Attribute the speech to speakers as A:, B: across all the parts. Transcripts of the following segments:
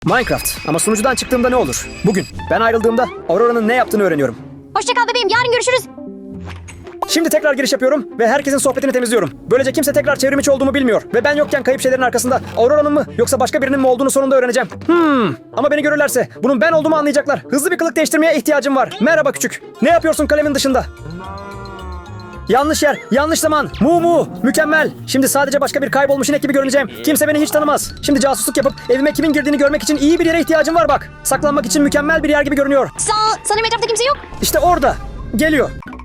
A: Minecraft. Ama sunucudan çıktığımda ne olur? Bugün. Ben ayrıldığımda Aurora'nın ne yaptığını öğreniyorum.
B: Hoşça kal bebeğim, yarın görüşürüz.
A: Şimdi tekrar giriş yapıyorum ve herkesin sohbetini temizliyorum. Böylece kimse tekrar çevrimiçi olduğumu bilmiyor. Ve ben yokken kayıp şeylerin arkasında Aurora'nın mı yoksa başka birinin mi olduğunu sonunda öğreneceğim. Ama beni görürlerse bunun ben olduğumu anlayacaklar. Hızlı bir kılık değiştirmeye ihtiyacım var. Merhaba küçük. Ne yapıyorsun kalemin dışında? Yanlış yer, yanlış zaman. Mu. Mükemmel. Şimdi sadece başka bir kaybolmuş inek gibi görüneceğim. Kimse beni hiç tanımaz. Şimdi casusluk yapıp evime kimin girdiğini görmek için iyi bir yere ihtiyacım var bak. Saklanmak için mükemmel bir yer gibi görünüyor.
B: Sanırım etrafta kimse yok.
A: İşte orada. Geliyor.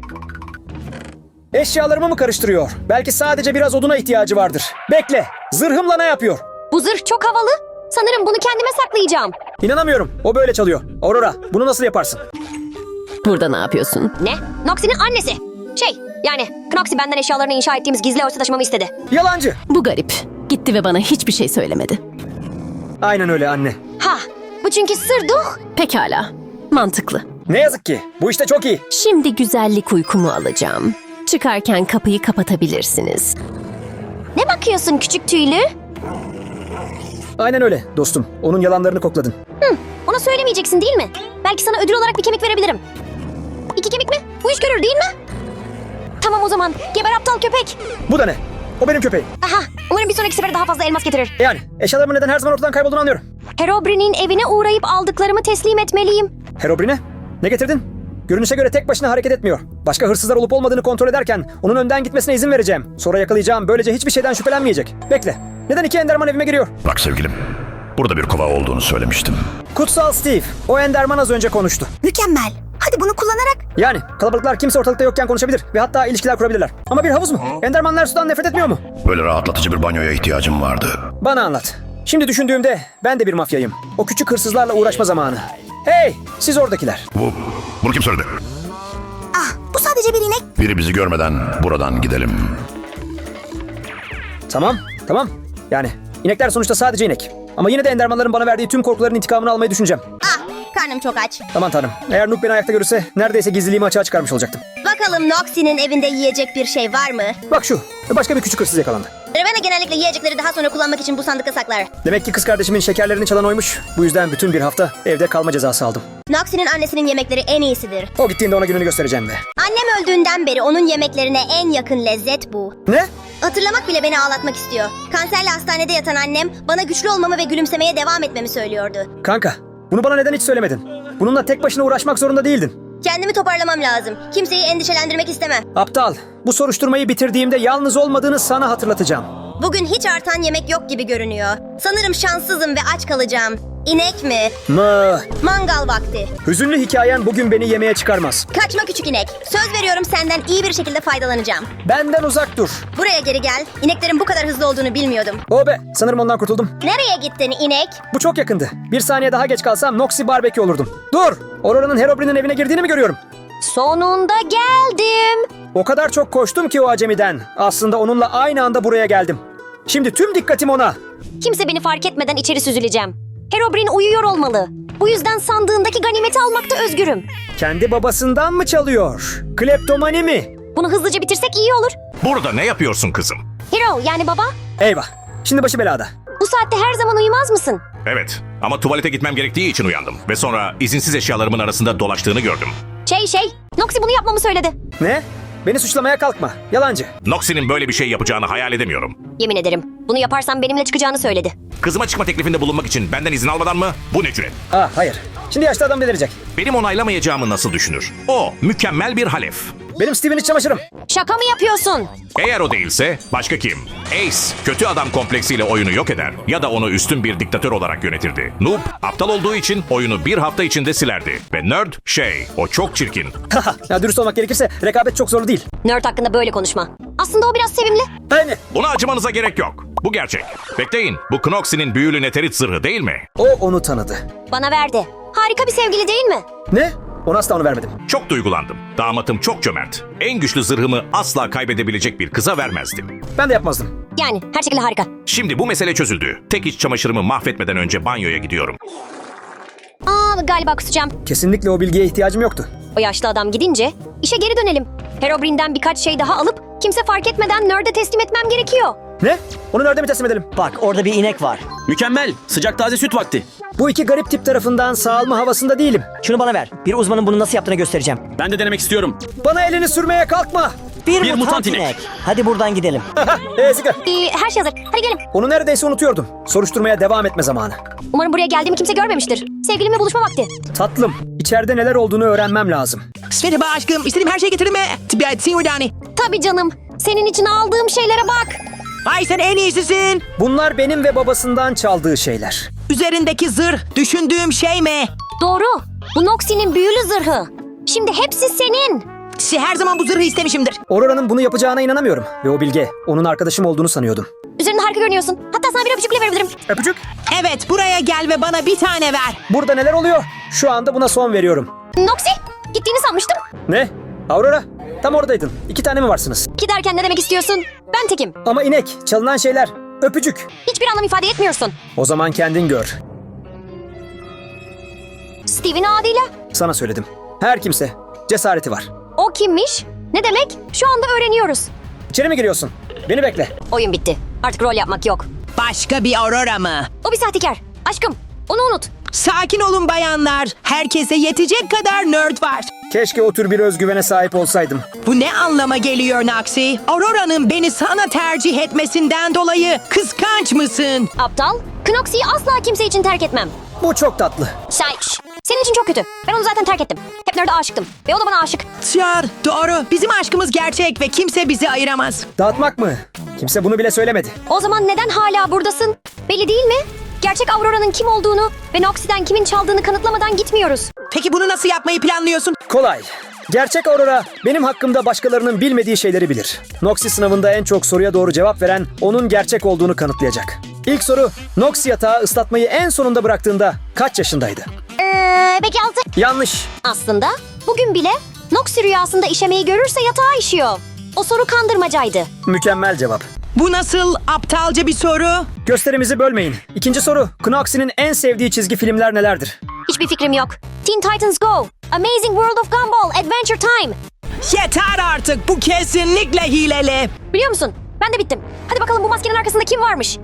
A: Eşyalarımı mı karıştırıyor? Belki sadece biraz oduna ihtiyacı vardır. Bekle. Zırhımla ne yapıyor?
B: Bu zırh çok havalı. Sanırım bunu kendime saklayacağım.
A: İnanamıyorum. O böyle çalıyor. Aurora, bunu nasıl yaparsın?
C: Burada ne yapıyorsun?
B: Ne? Noxie'nin annesi. Yani Knoxie benden eşyalarını inşa ettiğimiz gizli örtü taşımamı istedi.
A: Yalancı.
C: Bu garip. Gitti ve bana hiçbir şey söylemedi.
A: Aynen öyle anne.
B: Bu çünkü sırduh.
C: Pekala. Mantıklı.
A: Ne yazık ki. Bu işte çok iyi.
C: Şimdi güzellik uykumu alacağım. Çıkarken kapıyı kapatabilirsiniz.
B: Ne bakıyorsun küçük tüylü?
A: Aynen öyle dostum. Onun yalanlarını kokladın.
B: Ona söylemeyeceksin değil mi? Belki sana ödül olarak bir kemik verebilirim. 2 kemik mi? Bu iş görür değil mi? Tamam o zaman. Geber aptal köpek.
A: Bu da ne? O benim köpeğim.
B: Umarım bir sonraki sefere daha fazla elmas getirir.
A: Yani eşyalarımın neden her zaman ortadan kaybolduğunu anlıyorum.
B: Herobrine'in evine uğrayıp aldıklarımı teslim etmeliyim.
A: Herobrine, ne getirdin? Görünüşe göre tek başına hareket etmiyor. Başka hırsızlar olup olmadığını kontrol ederken onun önden gitmesine izin vereceğim. Sonra yakalayacağım. Böylece hiçbir şeyden şüphelenmeyecek. Bekle. Neden 2 Enderman evime giriyor?
D: Bak sevgilim, burada bir kova olduğunu söylemiştim.
A: Kutsal Steve. O Enderman az önce konuştu.
E: Mükemmel. Hadi bunu kullanarak.
A: Yani kalabalıklar kimse ortalıkta yokken konuşabilir ve hatta ilişkiler kurabilirler. Ama bir havuz mu? Endermanlar sudan nefret etmiyor mu?
D: Böyle rahatlatıcı bir banyoya ihtiyacım vardı.
A: Bana anlat. Şimdi düşündüğümde ben de bir mafyayım. O küçük hırsızlarla uğraşma zamanı. Hey, siz oradakiler.
D: Bunu kim söyledi?
E: Bu sadece bir inek.
D: Biri bizi görmeden buradan gidelim.
A: Tamam. Yani inekler sonuçta sadece inek. Ama yine de Endermanların bana verdiği tüm korkuların intikamını almayı düşüneceğim.
E: Karnım çok aç.
A: Aman tanrım. Eğer Noob beni ayakta görürse neredeyse gizliliğimi açığa çıkarmış olacaktım.
E: Bakalım Noxie'nin evinde yiyecek bir şey var mı?
A: Bak şu. Başka bir küçük hırsız yakalandı.
E: Ravenna genellikle yiyecekleri daha sonra kullanmak için bu sandıkta saklar.
A: Demek ki kız kardeşimin şekerlerini çalan oymuş. Bu yüzden bütün bir hafta evde kalma cezası aldım.
E: Noxie'nin annesinin yemekleri en iyisidir.
A: O gittiğinde ona gününü göstereceğim ve...
E: Annem öldüğünden beri onun yemeklerine en yakın lezzet bu.
A: Ne?
E: Hatırlamak bile beni ağlatmak istiyor. Kanserle hastanede yatan annem bana güçlü olmamı ve gülümsemeye devam etmemi söylüyordu.
A: Kanka, bunu bana neden hiç söylemedin? Bununla tek başına uğraşmak zorunda değildin.
E: Kendimi toparlamam lazım. Kimseyi endişelendirmek istemem.
A: Aptal, bu soruşturmayı bitirdiğimde yalnız olmadığını sana hatırlatacağım.
E: Bugün hiç artan yemek yok gibi görünüyor. Sanırım şanssızım ve aç kalacağım. İnek mi?
A: Mı?
E: Mangal vakti.
A: Hüzünlü hikayen bugün beni yemeğe çıkarmaz.
E: Kaçma küçük inek. Söz veriyorum senden iyi bir şekilde faydalanacağım.
A: Benden uzak dur.
E: Buraya geri gel. İneklerin bu kadar hızlı olduğunu bilmiyordum.
A: O be, sanırım ondan kurtuldum.
E: Nereye gittin inek?
A: Bu çok yakındı. Bir saniye daha geç kalsam Noxie Barbecue olurdum. Dur! Aurora'nın Herobrine'in evine girdiğini mi görüyorum?
B: Sonunda geldim.
A: O kadar çok koştum ki o acemiden. Aslında onunla aynı anda buraya geldim. Şimdi tüm dikkatim ona.
B: Kimse beni fark etmeden içeri süzüleceğim. Herobrine uyuyor olmalı. Bu yüzden sandığındaki ganimeti almakta özgürüm.
A: Kendi babasından mı çalıyor? Kleptomani mi?
B: Bunu hızlıca bitirsek iyi olur.
F: Burada ne yapıyorsun kızım?
B: Hero yani baba,
A: Eyvah. Şimdi başı belada.
B: bu saatte her zaman uyumaz mısın?
F: Evet ama tuvalete gitmem gerektiği için uyandım. Ve sonra izinsiz eşyalarımın arasında dolaştığını gördüm.
B: Noxie bunu yapmamı söyledi.
A: Ne? Beni suçlamaya kalkma. Yalancı.
F: Noxie'nin böyle bir şey yapacağını hayal edemiyorum.
B: Yemin ederim. Bunu yaparsam benimle çıkacağını söyledi.
F: Kızıma çıkma teklifinde bulunmak için benden izin almadan mı? Bu ne cüret?
A: Hayır. Şimdi yaşlı adam delirecek.
F: Benim onaylamayacağımı nasıl düşünür? O mükemmel bir halef.
A: Benim Steve'in iç çamaşırım.
B: Şaka mı yapıyorsun?
F: Eğer o değilse başka kim? Ace, kötü adam kompleksiyle oyunu yok eder ya da onu üstün bir diktatör olarak yönetirdi. Noob, aptal olduğu için oyunu bir hafta içinde silerdi. Ve Nerd, o çok çirkin.
A: Ya dürüst olmak gerekirse rekabet çok zorlu değil.
B: Nerd hakkında böyle konuşma. Aslında o biraz sevimli.
A: Aynı.
F: Buna acımanıza gerek yok. Bu gerçek. Bekleyin, bu Knoxie'nin büyülü neterit zırhı değil mi?
A: O onu tanıdı.
B: Bana verdi. Harika bir sevgili değil mi?
A: Ne? Ona asla onu vermedim.
F: Çok duygulandım. Damatım çok cömert. En güçlü zırhımı asla kaybedebilecek bir kıza vermezdim.
A: Ben de yapmazdım.
B: Yani her şekilde harika.
F: Şimdi bu mesele çözüldü. Tek iç çamaşırımı mahvetmeden önce banyoya gidiyorum.
B: Galiba kusacağım.
A: Kesinlikle o bilgiye ihtiyacım yoktu.
B: O yaşlı adam gidince işe geri dönelim. Herobrine'den birkaç şey daha alıp kimse fark etmeden Nerd'e teslim etmem gerekiyor.
A: Ne? Onu nerede mi teslim edelim?
G: Bak orada bir inek var.
H: Mükemmel. Sıcak taze süt vakti.
A: Bu iki garip tip tarafından sağalma havasında değilim.
G: Şunu bana ver. Bir uzmanın bunu nasıl yaptığını göstereceğim.
H: Ben de denemek istiyorum.
A: Bana elini sürmeye kalkma.
G: Bir
H: mutant inek.
G: inek. Hadi buradan gidelim.
A: Sıkı.
B: Her şey hazır. Hadi gidelim.
A: Onu neredeyse unutuyordum. Soruşturmaya devam etme zamanı.
B: Umarım buraya geldiğimi kimse görmemiştir. Sevgilimle buluşma vakti.
A: Tatlım, içeride neler olduğunu öğrenmem lazım.
I: Merhaba aşkım. İstediğim her şeyi getirdim mi? Singurdani.
B: Tabii canım. Senin için aldığım şeylere bak.
I: Vay sen en iyisisin.
A: Bunlar benim ve babasından çaldığı şeyler.
I: Üzerindeki zırh düşündüğüm şey mi?
B: Doğru. Bu Noxie'nin büyülü zırhı. Şimdi hepsi senin.
I: Her zaman bu zırhı istemişimdir.
A: Aurora'nın bunu yapacağına inanamıyorum. Ve o bilge, onun arkadaşım olduğunu sanıyordum.
B: Üzerinde harika görünüyorsun. Hatta sana bir öpücük bile verebilirim.
A: Öpücük.
I: Evet buraya gel ve bana bir tane ver.
A: Burada neler oluyor? Şu anda buna son veriyorum.
B: Noxie, gittiğini sanmıştım.
A: Ne? Aurora, tam oradaydın. 2 tane mi varsınız?
B: Ki derken ne demek istiyorsun? Ben tekim.
A: Ama inek, çalınan şeyler, öpücük.
B: Hiçbir anlam ifade etmiyorsun.
A: O zaman kendin gör.
B: Steve'in adıyla.
A: Sana söyledim. Her kimse cesareti var.
B: O kimmiş? Ne demek? Şu anda öğreniyoruz.
A: İçeri mi giriyorsun? Beni bekle.
B: Oyun bitti. Artık rol yapmak yok.
I: Başka bir Aurora mı?
B: O bir sahtekar. Aşkım, onu unut.
I: Sakin olun bayanlar. Herkese yetecek kadar nerd var.
A: Keşke o tür bir özgüvene sahip olsaydım.
I: Bu ne anlama geliyor Noxie? Aurora'nın beni sana tercih etmesinden dolayı kıskanç mısın?
B: Aptal, Knoxie'yi asla kimse için terk etmem.
A: Bu çok tatlı.
B: Senin için çok kötü. Ben onu zaten terk ettim. Hep nerede aşıktım. Ve o da bana aşık.
I: Çağır, doğru. Bizim aşkımız gerçek ve kimse bizi ayıramaz.
A: Dağıtmak mı? Kimse bunu bile söylemedi.
B: O zaman neden hala buradasın? Belli değil mi? Gerçek Aurora'nın kim olduğunu ve Noxie'den kimin çaldığını kanıtlamadan gitmiyoruz.
I: Peki bunu nasıl yapmayı planlıyorsun?
A: Kolay. Gerçek Aurora benim hakkımda başkalarının bilmediği şeyleri bilir. Noxie sınavında en çok soruya doğru cevap veren onun gerçek olduğunu kanıtlayacak. İlk soru, Noxie yatağı ıslatmayı en sonunda bıraktığında kaç yaşındaydı?
B: Belki 6.
A: Yanlış.
B: Aslında bugün bile Noxie rüyasında işemeyi görürse yatağa işiyor. O soru kandırmacaydı.
A: Mükemmel cevap.
I: Bu nasıl aptalca bir soru?
A: Gösterimizi bölmeyin. İkinci soru, Knoxie'nin en sevdiği çizgi filmler nelerdir?
B: Hiçbir fikrim yok. Teen Titans Go, Amazing World of Gumball, Adventure Time.
I: Yeter artık, bu kesinlikle hileli.
B: Biliyor musun? Ben de bittim. Hadi bakalım bu maskenin arkasında kim varmış?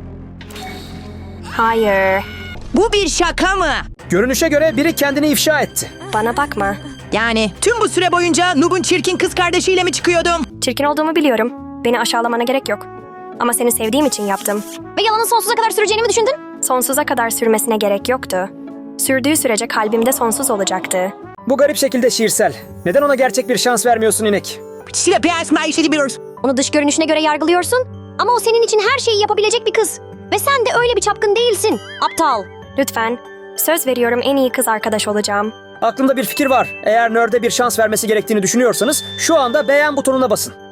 J: Hayır,
I: Bu bir şaka mı?
A: Görünüşe göre biri kendini ifşa etti.
J: bana bakma.
I: Yani tüm bu süre boyunca Noob'un çirkin kız kardeşiyle mi çıkıyordum?
J: Çirkin olduğumu biliyorum. Beni aşağılamana gerek yok. Ama seni sevdiğim için yaptım.
B: Ve yalanın sonsuza kadar süreceğini mi düşündün?
J: Sonsuza kadar sürmesine gerek yoktu. Sürdüğü sürece kalbimde sonsuz olacaktı.
A: Bu garip şekilde şiirsel. Neden ona gerçek bir şans vermiyorsun inek?
I: Size piyasma işletiyoruz.
B: Onu dış görünüşüne göre yargılıyorsun. Ama o senin için her şeyi yapabilecek bir kız. Ve sen de öyle bir çapkın değilsin. Aptal.
J: Lütfen, söz veriyorum en iyi kız arkadaş olacağım.
A: Aklımda bir fikir var. Eğer Nerd'e bir şans vermesi gerektiğini düşünüyorsanız şu anda beğen butonuna basın.